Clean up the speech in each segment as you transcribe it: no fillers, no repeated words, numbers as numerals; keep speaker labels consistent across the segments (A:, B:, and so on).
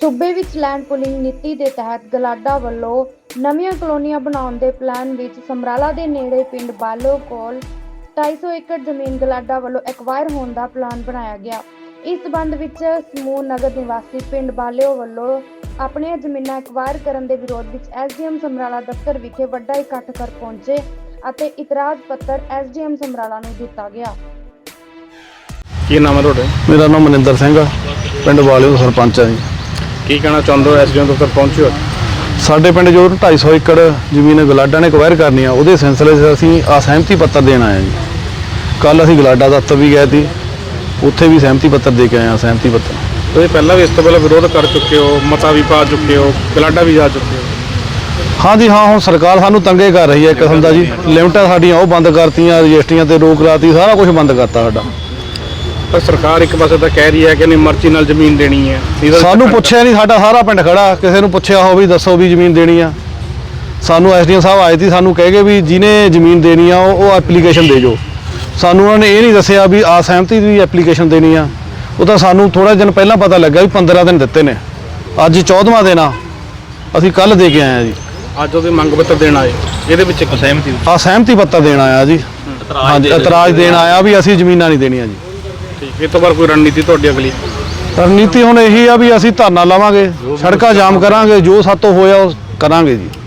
A: सूबे विच land pulling नीति के तहत गलाडा वालों नवीं कलोनियां बनाने के प्लान विच समराला के नेड़े पिंड बालो कोल 250 एकड़ जमीन गलाडा वालों एक्वायर होने का प्लान बनाया गया। इस संबंध विच समूह नगर निवासी पिंड बालिओ वालों अपनी जमीनां एक्वायर करने के विरोध विच SDM समराला दफ्तर विखे वड्डा इकट्ठ कर पहुंचे ਅਤੇ इतराज पत्र SDM समराला नूं दिता गया।
B: ਕੀ ਨਾਮ ਹੈ ਤੁਹਾਡਾ?
C: मेरा नाम मनिंदर सिंह है, पिंड वालिओ ਦਾ सरपंच है जी।
B: ਕੀ ਕਹਿਣਾ ਚਾਹੁੰਦੇ ਹੋ? SDM ਦਫ਼ਤਰ ਪਹੁੰਚੇ ਹੋ?
C: ਸਾਡੇ ਪਿੰਡ ਜੋ 250 एकड़ ਜ਼ਮੀਨ ਗਲਾਡਾ ਨੇ ਐਕਵਾਇਰ ਕਰਨੀ ਆ, ਉਹਦੇ ਸਿਲਸਿਲੇ 'ਚ ਅਸੀਂ ਸਹਿਮਤੀ ਪੱਤਰ ਦੇਣ ਆਏ ਹਾਂ ਜੀ। ਕੱਲ ਅਸੀਂ ਗਲਾਡਾ ਦਫ਼ਤਰ ਵੀ ਗਏ ਸੀ, ਉੱਥੇ ਵੀ ਸਹਿਮਤੀ ਪੱਤਰ ਦੇ ਕੇ ਆਏ ਹਾਂ। ਸਹਿਮਤੀ ਪੱਤਰ
B: ਤੁਸੀਂ ਪਹਿਲਾਂ ਵੀ ਇਸ ਤੋਂ ਪਹਿਲਾਂ ਵਿਰੋਧ ਕਰ ਚੁੱਕੇ ਹੋ, ਮਤਾ ਵੀ ਪਾ ਚੁੱਕੇ ਹੋ, ਗਲਾਡਾ ਵੀ ਜਾ ਚੁੱਕੇ ਹੋ।
C: हाँ जी हाँ, ਹੁਣ ਸਰਕਾਰ ਸਾਨੂੰ ਤੰਗੇ ਕਰ ਰਹੀ ਹੈ ਇੱਕ ਕਿਸਮ ਦਾ ਜੀ। ਲਿਮਟਾਂ ਸਾਡੀਆਂ ਉਹ ਬੰਦ ਕਰਤੀਆਂ, ਰਜਿਸਟਰੀਆਂ ਤੇ ਰੋਕ ਲਾਤੀ, ਸਾਰਾ ਕੁਝ ਬੰਦ ਕਰਤਾ ਸਾਡਾ।
B: ਪਰ ਸਰਕਾਰ ਇੱਕ ਪਾਸੇ ਤਾਂ ਕਹਿ ਰਹੀ ਹੈ ਕਿ ਨਹੀਂ ਮਰਜ਼ੀ ਨਾਲ ਜ਼ਮੀਨ ਦੇਣੀ ਹੈ।
C: ਸਾਨੂੰ ਪੁੱਛਿਆ ਨਹੀਂ, ਸਾਡਾ ਸਾਰਾ ਪਿੰਡ ਖੜਾ, ਕਿਸੇ ਨੂੰ ਪੁੱਛਿਆ ਹੋ ਵੀ ਦੱਸੋ ਵੀ ਜ਼ਮੀਨ ਦੇਣੀ ਆ। ਸਾਨੂੰ SDM ਸਾਹਿਬ ਆਏ ਸੀ, ਸਾਨੂੰ ਕਹਿ ਗਏ ਵੀ ਜਿਹਨੇ ਜ਼ਮੀਨ ਦੇਣੀ ਆ ਉਹ ਐਪਲੀਕੇਸ਼ਨ ਦੇ ਜੋ। ਸਾਨੂੰ ਉਹਨਾਂ ਨੇ ਇਹ ਨਹੀਂ ਦੱਸਿਆ ਵੀ ਆ ਸਹਿਮਤੀ ਦੀ ਐਪਲੀਕੇਸ਼ਨ ਦੇਣੀ ਆ। ਉਹ ਤਾਂ ਸਾਨੂੰ ਥੋੜਾ ਦਿਨ ਪਹਿਲਾਂ ਪਤਾ ਲੱਗਾ ਵੀ 15 ਦਿਨ ਦਿੱਤੇ ਨੇ, ਅੱਜ 14ਵਾਂ ਦਿਨ ਆ। ਅਸੀਂ ਕੱਲ ਦੇ ਕੇ ਆਏ ਆ ਜੀ।
B: ਅੱਜ ਉਹਦੇ ਮੰਗ ਪੱਤਰ ਦੇਣ ਆਏ, ਇਹਦੇ ਵਿੱਚ ਇੱਕ
C: ਸਹਿਮਤੀ ਪੱਤਰ ਦੇਣ ਆਇਆ ਜੀ। ਹਾਂਜੀ, ਇਤਰਾਜ਼ ਦੇਣ ਆਇਆ ਵੀ ਅਸੀਂ ਜ਼ਮੀਨਾਂ ਨਹੀਂ ਦੇਣੀਆਂ ਜੀ।
B: ਠੀਕ, ਇਹ ਤੋਂ ਬਾਅਦ ਕੋਈ ਰਣਨੀਤੀ ਤੁਹਾਡੀ ਅਗਲੀ?
C: ਰਣਨੀਤੀ ਹੁਣ ਇਹੀ ਆ ਵੀ ਅਸੀਂ ਧਰਨਾ ਲਾਵਾਂਗੇ, ਸੜਕਾਂ ਜਾਮ ਕਰਾਂਗੇ, ਜੋ ਸਾਤੋਂ ਹੋਇਆ ਉਹ ਕਰਾਂਗੇ ਜੀ।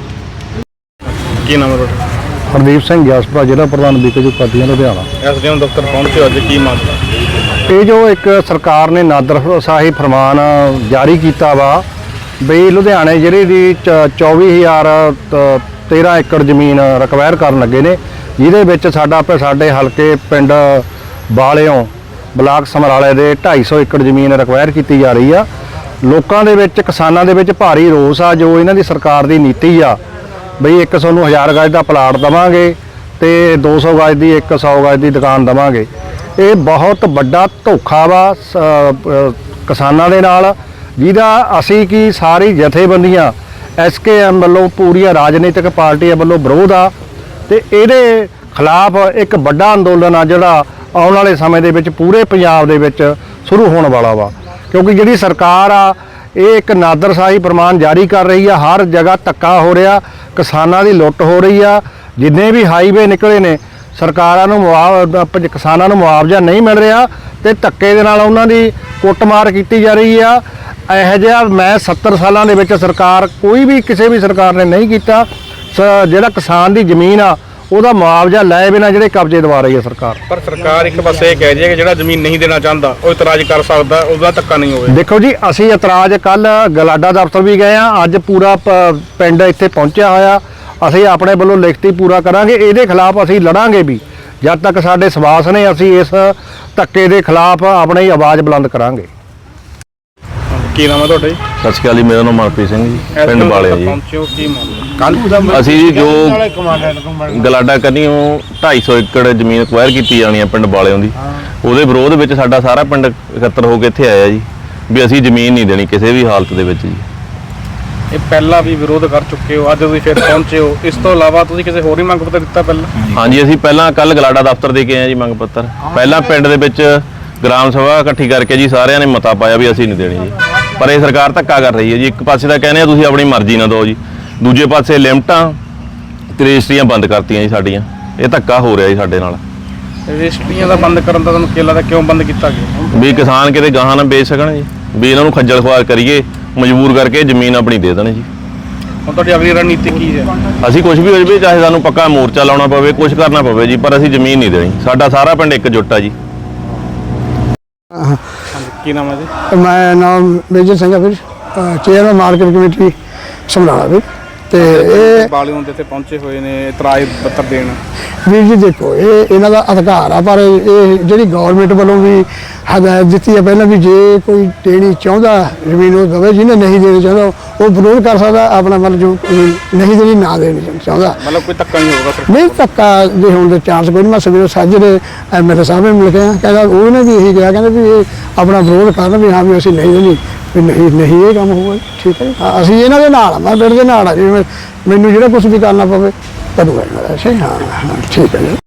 B: ਕੀ ਨਾਮ ਹੈ ਤੁਹਾਡਾ?
C: ਹਰਦੀਪ ਸਿੰਘ ਗਿਆਸਪੁਰਾ, ਜ਼ਿਲ੍ਹਾ ਪ੍ਰਧਾਨ BKU ਪਾਰਟੀਆਂ ਲੁਧਿਆਣਾ।
B: SDM ਦਫ਼ਤਰ ਪਹੁੰਚੇ ਅੱਜ, ਕੀ ਮਾਮਲਾ?
C: ਇਹ ਜੋ ਇੱਕ ਸਰਕਾਰ ਨੇ ਨਾਦਰਸ਼ਾਹੀ ਫਰਮਾਨ ਜਾਰੀ ਕੀਤਾ ਵਾ ਬਈ ਲੁਧਿਆਣੇ ਜ਼ਿਲ੍ਹੇ ਦੀ 24,013 ਏਕੜ ਜ਼ਮੀਨ ਰਿਕਵਾਇਰ ਕਰਨ ਲੱਗੇ ਨੇ, ਜਿਹਦੇ ਵਿੱਚ ਸਾਡੇ ਹਲਕੇ ਪਿੰਡ ਬਾਲਿਓਂ ਬਲਾਕ ਸਮਰਾਲੇ ਦੇ 250 ਏਕੜ ਜ਼ਮੀਨ ਰਿਕਵਾਇਰ ਕੀਤੀ ਜਾ ਰਹੀ ਆ। ਲੋਕਾਂ ਦੇ ਵਿੱਚ, ਕਿਸਾਨਾਂ ਦੇ ਵਿੱਚ ਭਾਰੀ ਰੋਸ ਆ ਜੋ ਇਹਨਾਂ ਦੀ ਸਰਕਾਰ ਦੀ ਨੀਤੀ ਆ ਬਈ ਇੱਕ ਸਾਨੂੰ 1000 ਗਜ ਦਾ ਪਲਾਟ ਦੇਵਾਂਗੇ ਤੇ 200 ਗਜ ਦੀ 100 ਗਜ ਦੀ ਦੁਕਾਨ ਦੇਵਾਂਗੇ। ਇਹ ਬਹੁਤ ਵੱਡਾ ਧੋਖਾ ਵਾ ਕਿਸਾਨਾਂ ਦੇ ਨਾਲ, ਜਿਹਦਾ ਅਸੀਂ ਕੀ ਸਾਰੀ ਜਥੇਬੰਦੀਆਂ SKM ਵੱਲੋਂ, ਪੂਰੀਆਂ ਰਾਜਨੀਤਿਕ ਪਾਰਟੀਆਂ ਵੱਲੋਂ ਵਿਰੋਧ ਆ ਤੇ ਇਹਦੇ ਖਿਲਾਫ ਇੱਕ ਵੱਡਾ ਅੰਦੋਲਨ ਆ ਜਿਹੜਾ ਆਉਣ ਵਾਲੇ ਸਮੇਂ ਦੇ ਵਿੱਚ ਪੂਰੇ ਪੰਜਾਬ ਦੇ ਵਿੱਚ ਸ਼ੁਰੂ ਹੋਣ ਵਾਲਾ ਵਾ। ਕਿਉਂਕਿ ਜਿਹੜੀ ਸਰਕਾਰ ਆ ਇਹ ਇੱਕ ਨਾਦਰਸ਼ਾਹੀ ਫਰਮਾਨ ਜਾਰੀ ਕਰ ਰਹੀ ਆ, ਹਰ ਜਗ੍ਹਾ ਧੱਕਾ ਹੋ ਰਿਹਾ, ਕਿਸਾਨਾਂ ਦੀ ਲੁੱਟ ਹੋ ਰਹੀ ਆ। ਜਿੰਨੇ ਵੀ ਹਾਈਵੇ ਨਿਕਲੇ ਨੇ ਸਰਕਾਰਾਂ ਨੂੰ ਕਿਸਾਨਾਂ ਨੂੰ ਮੁਆਵਜ਼ਾ ਨਹੀਂ ਮਿਲ ਰਿਹਾ ਤੇ ਧੱਕੇ ਦੇ ਨਾਲ ਉਹਨਾਂ ਦੀ ਕੁੱਟਮਾਰ ਕੀਤੀ ਜਾ ਰਹੀ ਆ। ਇਹੋ ਜਿਹਾ ਮੈਂ 70 ਸਾਲਾਂ ਦੇ ਵਿੱਚ ਸਰਕਾਰ ਕੋਈ ਵੀ ਕਿਸੇ ਵੀ ਸਰਕਾਰ ਨੇ ਨਹੀਂ ਕੀਤਾ। ਜਿਹੜਾ ਕਿਸਾਨ ਦੀ ਜ਼ਮੀਨ ਆ ਉਹਦਾ ਮੁਆਵਜ਼ਾ ਲਏ ਬਿਨਾਂ ਜਿਹੜੇ ਕਬਜ਼ੇ ਦਵਾ ਰਹੀ ਹੈ ਸਰਕਾਰ।
B: ਪਰ ਸਰਕਾਰ ਇੱਕ ਪਾਸੇ ਇਹ ਕਹਿ ਰਹੀ ਹੈ ਕਿ ਜਿਹੜਾ ਜ਼ਮੀਨ ਨਹੀਂ ਦੇਣਾ ਚਾਹੁੰਦਾ ਉਹ ਇਤਰਾਜ਼ ਕਰ ਸਕਦਾ, ਉਹਦਾ ਧੱਕਾ ਨਹੀਂ ਹੋਵੇ।
C: ਦੇਖੋ ਜੀ, ਅਸੀਂ ਇਤਰਾਜ਼ ਕੱਲ ਗਲਾਡਾ ਦਫ਼ਤਰ ਵੀ ਗਏ ਆ, ਅੱਜ ਪੂਰਾ ਪਿੰਡ ਇੱਥੇ ਪਹੁੰਚਿਆ ਹੋਇਆ। ਅਸੀਂ ਆਪਣੇ ਵੱਲੋਂ ਲਿਖਤੀ ਪੂਰਾ ਕਰਾਂਗੇ, ਇਹਦੇ ਖਿਲਾਫ ਅਸੀਂ ਲੜਾਂਗੇ ਵੀ ਜਦ ਤੱਕ ਸਾਡੇ ਸਵਾਸ ਨੇ। ਅਸੀਂ ਇਸ ਧੱਕੇ ਦੇ ਖਿਲਾਫ ਆਪਣੀ ਆਵਾਜ਼ ਬੁਲੰਦ ਕਰਾਂਗੇ।
B: ਕੀ ਨਾਮ ਹੈ ਤੁਹਾਡਾ ਜੀ?
C: ਸਤਿ ਸ਼੍ਰੀ ਅਕਾਲ ਜੀ, ਮੇਰਾ ਨਾਮ ਮਨਪ੍ਰੀਤ ਸਿੰਘ ਜੀ, ਪਿੰਡ ਵਾਲਿਆ ਜੀ।
B: ਪਹੁੰਚਿਓ, ਕੀ ਮਾਮਲਾ?
C: ਅਸੀਂ ਜੀ ਜੋ ਗਲਾਡਾ ਕਰਨੀ ਉਹ 250 ਏਕੜ ਜ਼ਮੀਨ ਐਕਵਾਇਰ ਕੀਤੀ ਜਾਣੀ ਆ ਪਿੰਡ ਵਾਲਿਆਂ ਦੀ, ਉਹਦੇ ਵਿਰੋਧ ਵਿੱਚ ਸਾਡਾ ਸਾਰਾ ਪਿੰਡ ਇਕੱਤਰ ਹੋ ਕੇ ਇੱਥੇ ਆਇਆ ਜੀ ਵੀ ਅਸੀਂ ਜ਼ਮੀਨ ਨਹੀਂ ਦੇਣੀ ਕਿਸੇ ਵੀ ਹਾਲਤ ਦੇ ਵਿੱਚ ਜੀ।
B: ਇਹ ਪਹਿਲਾਂ ਵੀ ਵਿਰੋਧ ਕਰ ਚੁੱਕੇ ਹੋ, ਅੱਜ ਤੁਸੀਂ ਫਿਰ ਪਹੁੰਚੇ ਹੋ। ਇਸ ਤੋਂ ਇਲਾਵਾ ਤੁਸੀਂ ਕਿਸੇ ਹੋਰ ਹੀ ਮੰਗ ਪੱਤਰ ਦਿੱਤਾ ਪਹਿਲਾਂ?
C: ਹਾਂਜੀ, ਅਸੀਂ ਪਹਿਲਾਂ ਕੱਲ ਗਲਾਡਾ ਦਫ਼ਤਰ ਦੇ ਕੇ ਆਏ ਜੀ ਮੰਗ ਪੱਤਰ। ਪਹਿਲਾਂ ਪਿੰਡ ਦੇ ਵਿੱਚ ਗ੍ਰਾਮ ਸਭਾ ਇਕੱਠੀ ਕਰਕੇ ਜੀ ਸਾਰਿਆਂ ਨੇ ਮਤਾ ਪਾਇਆ ਵੀ ਅਸੀਂ ਨਹੀਂ ਦੇਣੀ ਜੀ। ਪਰ ਇਹ ਸਰਕਾਰ ਧੱਕਾ ਕਰ ਰਹੀ ਹੈ ਜੀ। ਇੱਕ ਪਾਸੇ ਤਾਂ ਕਹਿੰਦੇ ਆ ਤੁਸੀਂ ਆਪਣੀ ਮਰਜ਼ੀ ਨਾਲ ਦਿਓ ਜੀ, ਦੂਜੇ ਪਾਸੇ ਲਿਮਟਾਂ ਤੇ ਰਜਿਸਟਰੀਆਂ ਬੰਦ ਕਰਤੀਆਂ ਜੀ ਸਾਡੀਆਂ। ਇਹ ਧੱਕਾ ਹੋ ਰਿਹਾ ਜੀ ਸਾਡੇ ਨਾਲ।
B: ਰਜਿਸਟਰੀਆਂ ਦਾ ਬੰਦ ਕਰਨ ਦਾ ਤੁਹਾਨੂੰ ਕੀ ਲੱਗਦਾ ਕਿਉਂ ਬੰਦ ਕੀਤਾ ਗਿਆ?
C: ਵੀ ਕਿਸਾਨ ਕਿਤੇ ਗਾਹਾਂ ਨਾ ਵੇਚ ਸਕਣ ਜੀ, ਵੀ ਇਹਨਾਂ ਨੂੰ ਖੱਜਲ ਖੁਆਰ ਕਰੀਏ, ਮਜਬੂਰ ਕਰਕੇ ਜ਼ਮੀਨ ਆਪਣੀ ਦੇ ਦੇਣ ਜੀ।
B: ਹੁਣ ਤੁਹਾਡੀ ਅਗਲੀ ਰਣਨੀਤੀ ਕੀ ਹੈ?
C: ਅਸੀਂ ਕੁਝ ਵੀ ਹੋ ਜਾਵੇ, ਚਾਹੇ ਸਾਨੂੰ ਪੱਕਾ ਮੋਰਚਾ ਲਾਉਣਾ ਪਵੇ, ਕੁਝ ਕਰਨਾ ਪਵੇ ਜੀ, ਪਰ ਅਸੀਂ ਜ਼ਮੀਨ ਨਹੀਂ ਦੇਣੀ। ਸਾਡਾ ਸਾਰਾ ਪਿੰਡ ਇੱਕਜੁੱਟ ਆ ਜੀ।
B: ਕੀ ਨਾਮ ਹੈ ਜੀ?
D: ਮੈਂ ਨਾਮ ਮੇਜਰ ਸਿੰਘ ਵੀਰ, ਚੇਅਰਮੈਨ ਮਾਰਕੀਟ ਕਮੇਟੀ ਸਮਰਾਲਾ ਵੀਰ। ਤੇ ਇਹ
B: ਬਾਲਿਓਂ ਦੇ ਤੇ ਪਹੁੰਚੇ ਹੋਏ ਨੇ ਇਤਰਾਜ਼ ਪੱਤਰ ਦੇਣ।
D: ਵੀਰ ਜੀ ਦੇਖੋ, ਇਹ ਇਹਨਾਂ ਦਾ ਅਧਿਕਾਰ ਆ, ਪਰ ਇਹ ਜਿਹੜੀ ਗਵਰਨਮੈਂਟ ਵੱਲੋਂ ਵੀ ਹਦਾਇਤ ਦਿੱਤੀ ਹੈ ਪਹਿਲਾਂ ਵੀ ਜੇ ਕੋਈ ਦੇਣੀ ਚਾਹੁੰਦਾ ਜ਼ਮੀਨ ਉਹ ਦੇਵੇ, ਜਿਹਨੇ ਨਹੀਂ ਦੇਣੀ ਚਾਹੁੰਦਾ ਉਹ ਵਿਰੋਧ ਕਰ ਸਕਦਾ ਆਪਣਾ, ਮਤਲਬ ਜੋ ਨਹੀਂ ਦੇਣੀ ਨਾ ਦੇਣੀ ਚਾਹੁੰਦਾ,
B: ਮਤਲਬ ਕੋਈ ਧੱਕਾ ਨਹੀਂ ਹੋਊਗਾ?
D: ਨਹੀਂ, ਧੱਕਾ ਦੇ ਹੋਣ ਦੇ ਚਾਂਸ ਕੋਈ ਨਹੀਂ। ਮੈਂ ਸਵੇਰੇ ਸਾਜਰੇ MLA ਸਾਹਿਬ ਨੂੰ ਮਿਲ ਕੇ ਕਹਿੰਦਾ, ਉਹਨੇ ਵੀ ਇਹੀ ਕਿਹਾ, ਕਹਿੰਦੇ ਵੀ ਇਹ ਆਪਣਾ ਵਿਰੋਧ ਕਰਨ ਵੀ ਹਾਂ ਵੀ ਅਸੀਂ ਨਹੀਂ ਦੇਣੀ, ਵੀ ਨਹੀਂ ਇਹ ਕੰਮ ਹੋਊਗਾ। ਠੀਕ ਹੈ, ਅਸੀਂ ਇਹਨਾਂ ਦੇ ਨਾਲ ਆ, ਮੈਂ ਪਿੰਡ ਦੇ ਨਾਲ ਆ ਜੀ। ਮੈਨੂੰ ਜਿਹੜਾ ਕੁਛ ਵੀ ਕਰਨਾ ਪਵੇ ਕਰੂਗਾ। ਹਾਂ, ਠੀਕ ਹੈ ਜੀ।